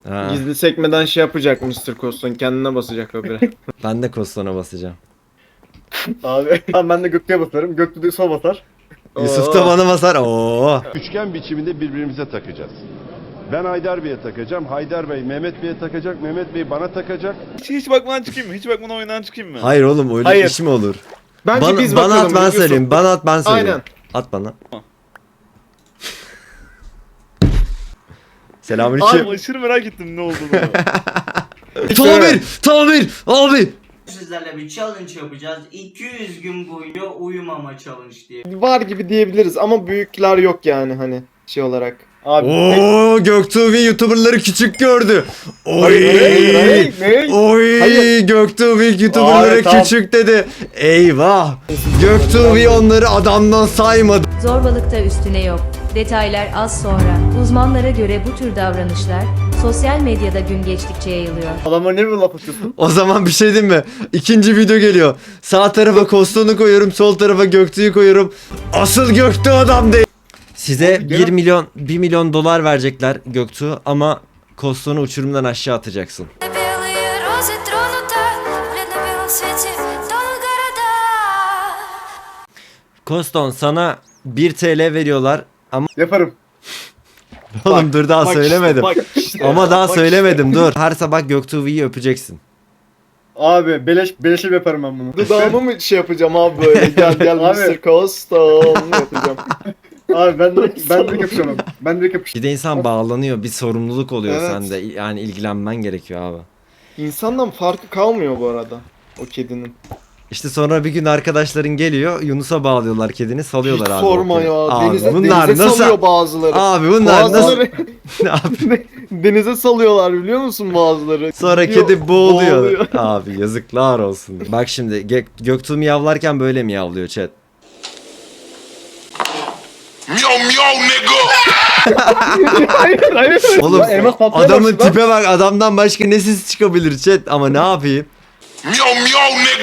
Ha, Gizli sekmeden şey yapacak Mr. Coston, kendine basacak habire. ben de Koston'a basacağım. Abi tamam ben de Göktuğ'a basarım. Göktuğ da sol basar. Yusuf da bana basar. Oo. Üçgen biçiminde birbirimize takacağız. Ben Haydar Bey'e takacağım. Haydar Bey Mehmet Bey'e takacak. Mehmet Bey bana takacak. Hiç bakmadan çıkayım mı? Hiç bakmadan oyundan çıkayım mı? Hayır oğlum öyle Hayır. iş mi olur? Bence biz bana bakalım. at ben Yusuf. söyleyeyim. Bana at ben söyleyeyim. Aynen. At bana. Tamam. Selamünaleyküm. Abi aşırı merak ettim ne olduğunu. Tamir abi. Sizlerle bir challenge yapacağız. 200 gün boyunca uyumama challenge diye. Var gibi diyebiliriz ama büyükler yok yani hani şey olarak. Abi. Oo Göktuğ YouTuber'ları küçük gördü. Oy. Ne? Oy Hayır. Göktuğ YouTuber'ları Abi, tamam. küçük dedi. Eyvah. Göktuğ onları adamdan saymadı. Zorbalıkta üstüne yok. Detaylar az sonra. Uzmanlara göre bu tür davranışlar sosyal medyada gün geçtikçe yayılıyor. Adamlar ne bir laf atıyorsun? O zaman bir şey diyeyim mi? İkinci video geliyor. Sağ tarafa Koston'u koyuyorum, sol tarafa Göktuğ'u koyuyorum. Asıl Göktuğ adam değil. Size 1 milyon dolar verecekler Göktuğ ama Koston'u uçurumdan aşağı atacaksın. Белые розы тронута в бледно-белом свете тонут города. Koston sana 1 TL veriyorlar ama Yaparım. oğlum dur daha Bak söylemedim. işte, bak işte. Ama daha Bak söylemedim dur. Her sabah Göktuğ'u öpeceksin. Abi beleşe yaparım ben bunu. işte. Dudağımı mı şey yapacağım abi böyle gel Abi. Mr. Coston yapacağım. Abi ben direkt yapacağım abi. Ben direkt yapacağım. Bir de insan bağlanıyor, bir sorumluluk oluyor Evet. sende. Yani ilgilenmen gerekiyor abi. İnsandan farkı kalmıyor bu arada o kedinin. İşte sonra bir gün arkadaşların geliyor, Yunus'a bağlıyorlar kedini, salıyorlar Hiç abi. sorma o kedi. ya. Abi Denize, bunlar denize nasıl? salıyor bazıları. Abi bunlar nasıl? Bazıları Abi, denize salıyorlar biliyor musun bazıları? sonra Gidiyor, kedi boğuluyor. Abi yazıklar olsun. Bak şimdi Göktuğ miyavlarken böyle miyavlıyor chat. Hayır. Oğlum Ya elmas patlamaya adamın başladı. tipe bak, adamdan başka ne ses çıkabilir chat, ama ne yapayım?